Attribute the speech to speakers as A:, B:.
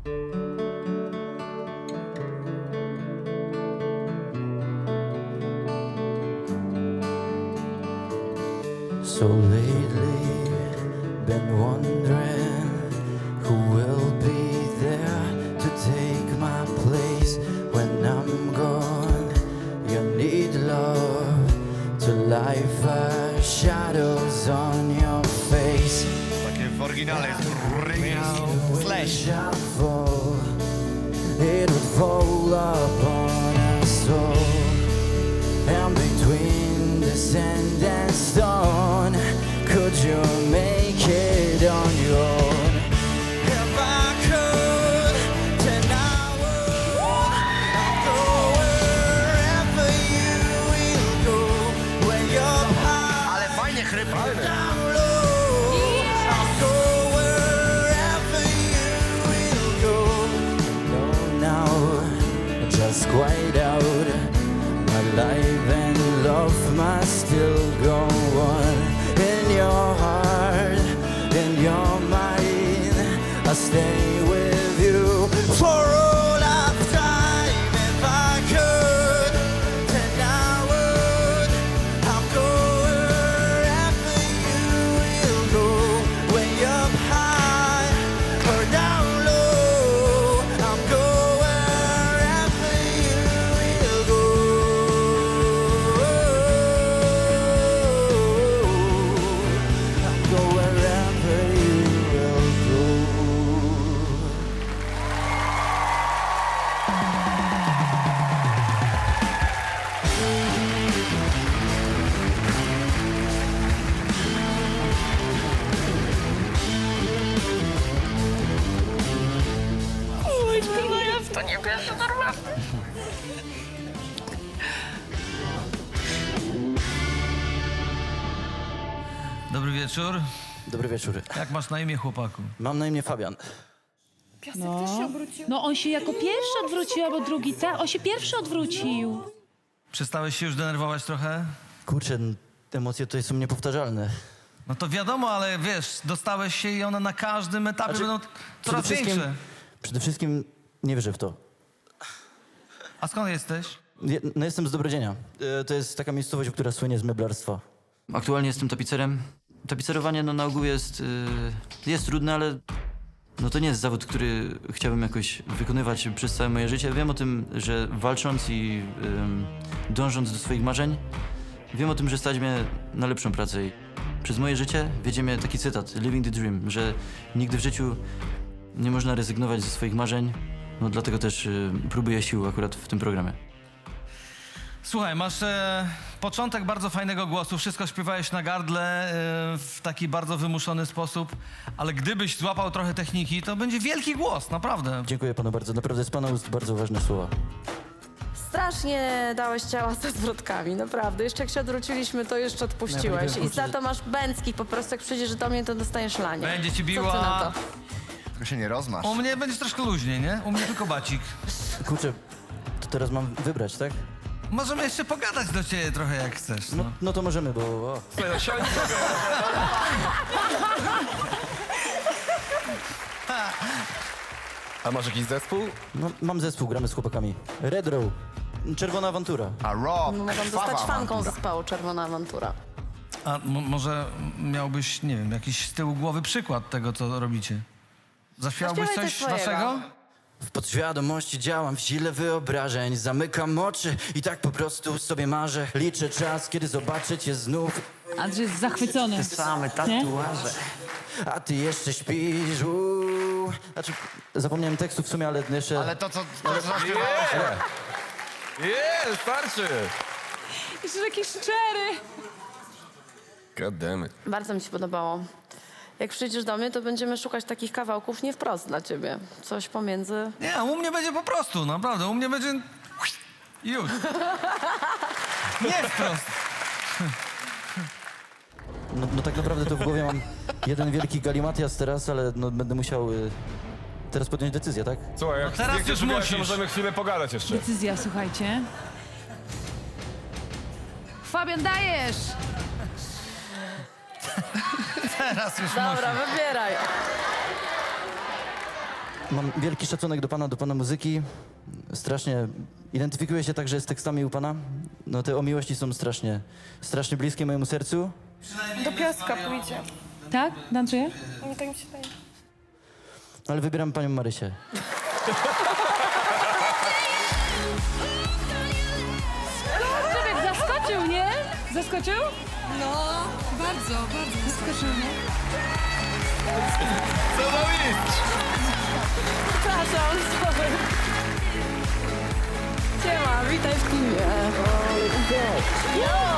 A: So lately, been wondering who will be there to take my place when I'm gone. You need love to light fire shadows on your face.
B: Takie w oryginale jest Slash.
A: It would fall upon us all, and between the sand and stone, could you make it on your own? If I could, then I would. I'll go wherever you will go. When you're high,
B: Ale fajnie chrypnie.
A: down low, I'll go wherever you will go. No, now, just quiet out. My life and love must still go on. In your heart, in your mind, I'll stay with you for all of time. If I could, then I would. I'll go wherever you will go. When you're high or down low, I'll go wherever you will go. I'll go wherever you will go.
C: Dobry wieczór.
A: Dobry wieczór.
C: Jak masz na imię, chłopaku?
A: Mam na imię Fabian.
D: No on się jako pierwszy odwrócił, albo drugi, tak? On się pierwszy odwrócił.
C: Przestałeś się już denerwować trochę?
A: Kurczę, emocje tutaj są niepowtarzalne.
C: No to wiadomo, ale wiesz, dostałeś się i one na każdym etapie
A: Znaczy,
C: będą coraz większe.
A: Przede wszystkim nie wierzę w to.
C: A skąd jesteś?
A: No jestem z Dobrodzienia. To jest taka miejscowość, która słynie z meblarstwa. Aktualnie jestem tapicerem. Tapicerowanie no, na ogół jest trudne, ale no, to nie jest zawód, który chciałbym jakoś wykonywać przez całe moje życie. Wiem o tym, że walcząc i dążąc do swoich marzeń, wiem o tym, że stać mnie na lepszą pracę. I przez moje życie wiedzie mnie taki cytat, living the dream, że nigdy w życiu nie można rezygnować ze swoich marzeń. No dlatego też próbuję sił akurat w tym programie.
C: Słuchaj, masz początek bardzo fajnego głosu, wszystko śpiewałeś na gardle w taki bardzo wymuszony sposób, ale gdybyś złapał trochę techniki, to będzie wielki głos, naprawdę.
A: Dziękuję panu bardzo. Naprawdę z pana ust bardzo ważne słowa.
E: Strasznie dałeś ciała ze zwrotkami, naprawdę. Jeszcze jak się odwróciliśmy, to jeszcze odpuściłeś. I za to masz bęckich, po prostu jak przyjdziesz do mnie, to dostaniesz lanie.
C: Będzie ci
E: Co ty
C: biła.
E: na to?
B: Tylko się nie rozmasz.
C: U mnie będziesz troszkę luźniej, nie? U mnie tylko bacik.
A: Kurczę, to teraz mam wybrać, tak?
C: Możemy jeszcze pogadać do ciebie trochę jak chcesz. No.
A: No to możemy, bo... O.
F: A masz jakiś zespół?
A: No, mam zespół, gramy z chłopakami. Red Row. Czerwona awantura.
B: A Rob,
E: Mogą
B: krwawa
E: zostać fanką
B: awantura.
E: zespołu Czerwona Awantura.
C: A może miałbyś, nie wiem, jakiś z tyłu głowy przykład tego, co robicie? Zaśpiewałbyś
E: Zaśpiewaj
C: coś
E: coś swojego.
C: waszego?
A: W podświadomości działam w sile wyobrażeń. Zamykam oczy i tak po prostu sobie marzę. Liczę czas, kiedy zobaczę cię znów.
D: Andrzej jest zachwycony.
A: Same
D: Nie?
A: tatuaże. A ty jeszcze śpisz. Uuu. Znaczy, zapomniałem tekstu w sumie, ale jeszcze...
B: Ale to, co zaśpiewałeś...
F: Starczy!
D: Jeszcze taki szczery.
F: God damn it.
E: Bardzo mi się podobało. Jak przyjdziesz do mnie, to będziemy szukać takich kawałków nie wprost dla ciebie. Coś pomiędzy...
C: Nie, u mnie będzie po prostu, naprawdę. U mnie będzie... Już. Nie wprost.
A: No tak naprawdę to w głowie mam jeden wielki galimatias teraz, ale no, będę musiał teraz podjąć decyzję, tak?
F: Słuchaj, jak
C: teraz
F: zdjęcie
C: już
F: zrobiłaś, to
C: musisz.
F: możemy chwilę pogadać jeszcze.
D: Decyzja, słuchajcie. Fabian, dajesz!
C: Teraz już
E: Dobra, wybieraj.
A: Mam wielki szacunek do pana muzyki. Strasznie identyfikuję się także z tekstami u pana. No te o miłości są strasznie bliskie mojemu sercu.
G: Do piaska pójdzie.
D: Tak? Dancuje?
G: No tak mi się wydaje.
A: Ale wybieram panią Marysię.
D: Człowiek zaskoczył, nie? Zaskoczył?
H: No, bardzo, bardzo.
D: Zaskoczył, nie?
F: Co za mistrz!
E: Przepraszam, sorry. Siema, witaj w filmie.